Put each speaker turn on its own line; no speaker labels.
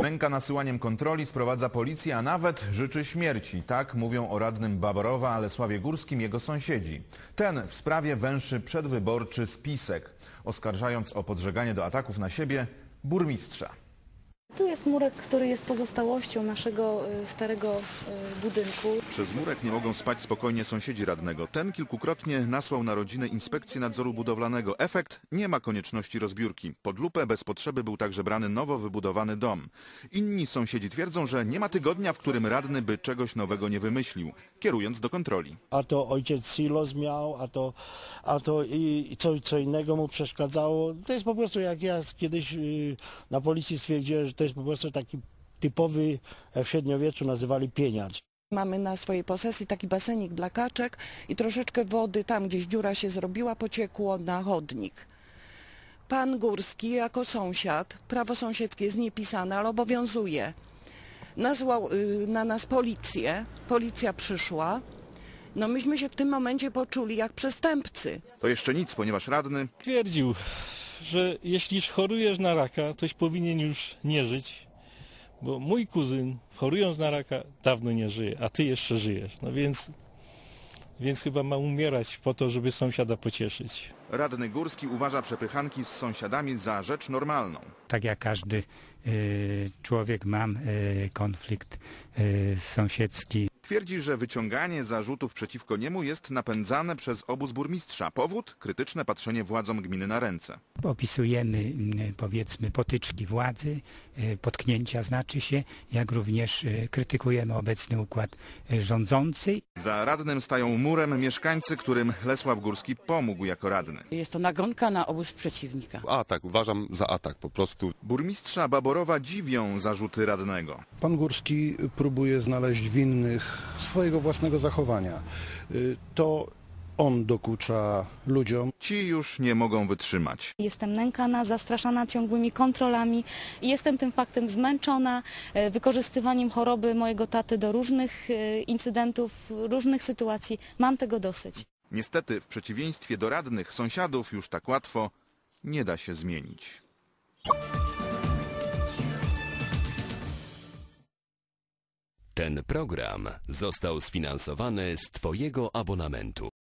Nęka nasyłaniem kontroli, sprowadza policję, a nawet życzy śmierci. Tak mówią o radnym Baborowa, ale Lesławie Górskim jego sąsiedzi. Ten w sprawie węszy przedwyborczy spisek, oskarżając o podżeganie do ataków na siebie burmistrza.
Tu jest murek, który jest pozostałością naszego starego budynku.
Przez murek nie mogą spać spokojnie sąsiedzi radnego. Ten kilkukrotnie nasłał na rodzinę inspekcję nadzoru budowlanego. Efekt? Nie ma konieczności rozbiórki. Pod lupę bez potrzeby był także brany nowo wybudowany dom. Inni sąsiedzi twierdzą, że nie ma tygodnia, w którym radny by czegoś nowego nie wymyślił, kierując do kontroli.
A to ojciec silos miał, a to i co innego mu przeszkadzało. To jest po prostu, jak ja kiedyś na policji stwierdziłem, że to jest po prostu taki typowy, jak w średniowieczu nazywali, pieniacz.
Mamy na swojej posesji taki basenik dla kaczek i troszeczkę wody, tam gdzieś dziura się zrobiła, pociekło na chodnik. Pan Górski jako sąsiad, prawo sąsiedzkie jest niepisane, ale obowiązuje. Nazwał na nas policję, policja przyszła. No myśmy się w tym momencie poczuli jak przestępcy.
To jeszcze nic, ponieważ radny
twierdził, że jeśli chorujesz na raka, toś powinien już nie żyć, bo mój kuzyn, chorując na raka, dawno nie żyje, a ty jeszcze żyjesz. No więc chyba ma umierać po to, żeby sąsiada pocieszyć.
Radny Górski uważa przepychanki z sąsiadami za rzecz normalną.
Tak jak każdy człowiek mam konflikt sąsiedzki.
Twierdzi, że wyciąganie zarzutów przeciwko niemu jest napędzane przez obóz burmistrza. Powód? Krytyczne patrzenie władzom gminy na ręce.
Opisujemy, powiedzmy, potyczki władzy, potknięcia znaczy się, jak również krytykujemy obecny układ rządzący.
Za radnym stają murem mieszkańcy, którym Lesław Górski pomógł jako radny.
Jest to nagonka na obóz przeciwnika.
Atak, uważam za atak po prostu.
Burmistrza Baborowa dziwią zarzuty radnego.
Pan Górski próbuje znaleźć winnych swojego własnego zachowania. To on dokucza ludziom.
Ci już nie mogą wytrzymać.
Jestem nękana, zastraszana ciągłymi kontrolami i jestem tym faktem zmęczona wykorzystywaniem choroby mojego taty do różnych incydentów, różnych sytuacji. Mam tego dosyć.
Niestety, w przeciwieństwie do radnych, sąsiadów już tak łatwo nie da się zmienić.
Ten program został sfinansowany z Twojego abonamentu.